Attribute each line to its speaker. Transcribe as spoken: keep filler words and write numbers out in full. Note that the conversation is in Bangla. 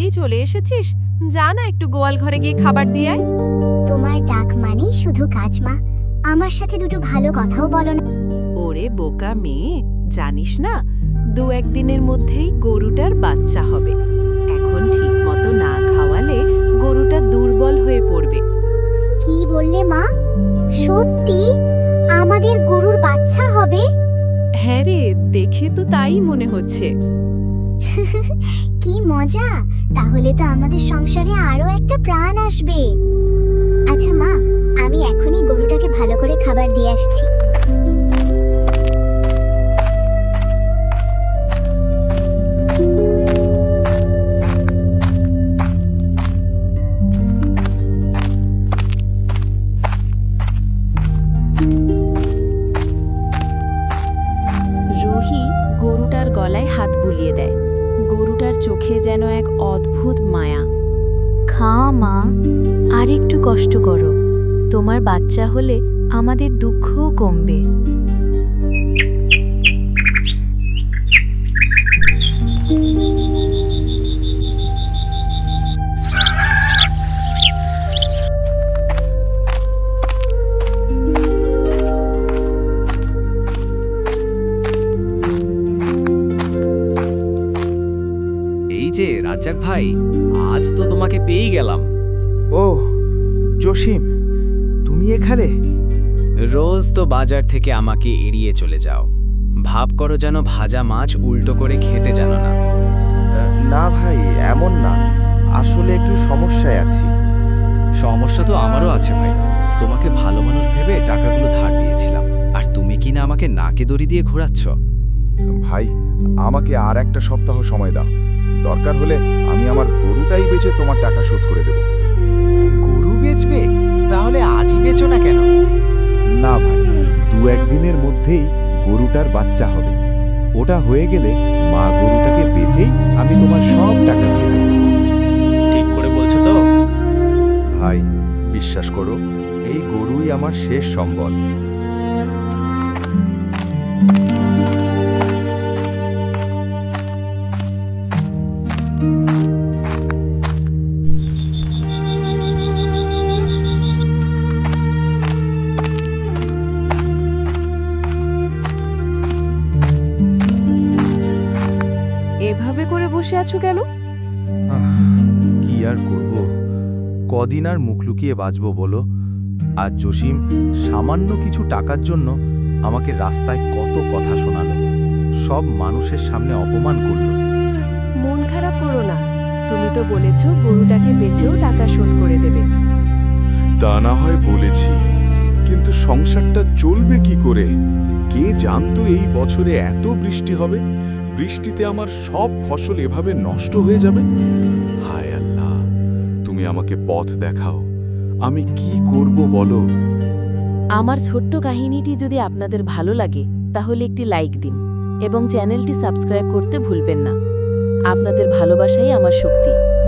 Speaker 1: চলে এসেছিস? যা না একটু গোয়াল ঘরে গিয়ে খাবার দিয়ে আয়।
Speaker 2: তোমার ডাক মানেই শুধু কাজ মা, আমার সাথে দুটো ভালো কথাও বলো না।
Speaker 1: ওরে বোকা মেয়ে, জানিস না দু একদিনের মধ্যেই গরুটার বাচ্চা হবে। এখন ঠিক মতো না খাওয়ালে গরুটা দুর্বল হয়ে পড়বে।
Speaker 2: কি বললে মা? সত্যি আমাদের গরুর বাচ্চা হবে?
Speaker 1: হ্যাঁ রে, দেখে তো তাই মনে হচ্ছে।
Speaker 2: কি মজা! তাহলে তো আমাদের সংসারে আরো একটা প্রাণ আসবে। আচ্ছা মা, আমি এখনই গরুটাকে ভালো করে খাবার দিয়ে আসছি।
Speaker 1: রুহি গরুটার গলায় হাত বুলিয়ে দেয়। গরুটার চোখে যেন এক অদ্ভুত মায়া। খা মা, আর একটু কষ্ট করো। তোমার বাচ্চা হলে আমাদের দুঃখও কমবে।
Speaker 3: এই যে রাজ্জাক ভাই, আজ তো তোমাকে পেয়েই গেলাম।
Speaker 4: ও জসিম, তুমি এখানে?
Speaker 3: রোজ তো বাজার থেকে আমাকে এড়িয়ে চলে যাও, ভাব করো যেন ভাজা মাছ উল্টো করে খেতে জানো না।
Speaker 4: না ভাই, এমন না, আসলে একটু সমস্যায় আছি।
Speaker 5: সমস্যা তো আমারও আছে ভাই। তোমাকে ভালো মানুষ ভেবে টাকাগুলো ধার দিয়েছিলাম, আর তুমি কি না আমাকে নাকে দড়ি দিয়ে ঘোরাচ্ছ?
Speaker 6: ভাই, আমাকে আর একটা সপ্তাহ সময় দাও। দরকার হলে আমি আমার গরুটাই বেচে তোমার টাকা শোধ করে দেব।
Speaker 3: গরু বেচবে? তাহলে আজই বেচো না কেন?
Speaker 6: না ভাই, দু একদিনের মধ্যেই গরুটার বাচ্চা হবে। ওটা হয়ে গেলে মা গরুটাকে বেচেই আমি তোমার সব টাকা দিয়ে দেব।
Speaker 5: ঠিক করে বলছো তো?
Speaker 6: ভাই, বিশ্বাস করো, এই গরুই আমার শেষ সম্বল।
Speaker 1: এভাবে করে বসে আছো কেন?
Speaker 6: কি আর করব, কদিন আর মুখ লুকিয়ে বাঁচব বলো? আর জসিম সামান্য কিছু টাকার জন্য আমাকে রাস্তায় কত কথা শোনালো, সব মানুষের সামনে অপমান করলো।
Speaker 1: মন খারাপ করো না, তুমি তো বলেছো গরুটাকে বেচেও টাকা শোধ করে দেবে।
Speaker 6: তা না হয় বলেছি, কিন্তু সংসারটা চলবে কি করে? কে জানতো এই বছরে এত বৃষ্টি হবে? বৃষ্টিতে আমার সব ফসল এভাবে নষ্ট হয়ে যাবে। হায় আল্লাহ, তুমি আমাকে পথ দেখাও, আমি কি করব বলো?
Speaker 1: আমার ছোট্ট কাহিনীটি যদি আপনাদের ভালো লাগে তাহলে একটি লাইক দিন এবং চ্যানেলটি সাবস্ক্রাইব করতে ভুলবেন না। আপনাদের ভালোবাসাই আমার শক্তি।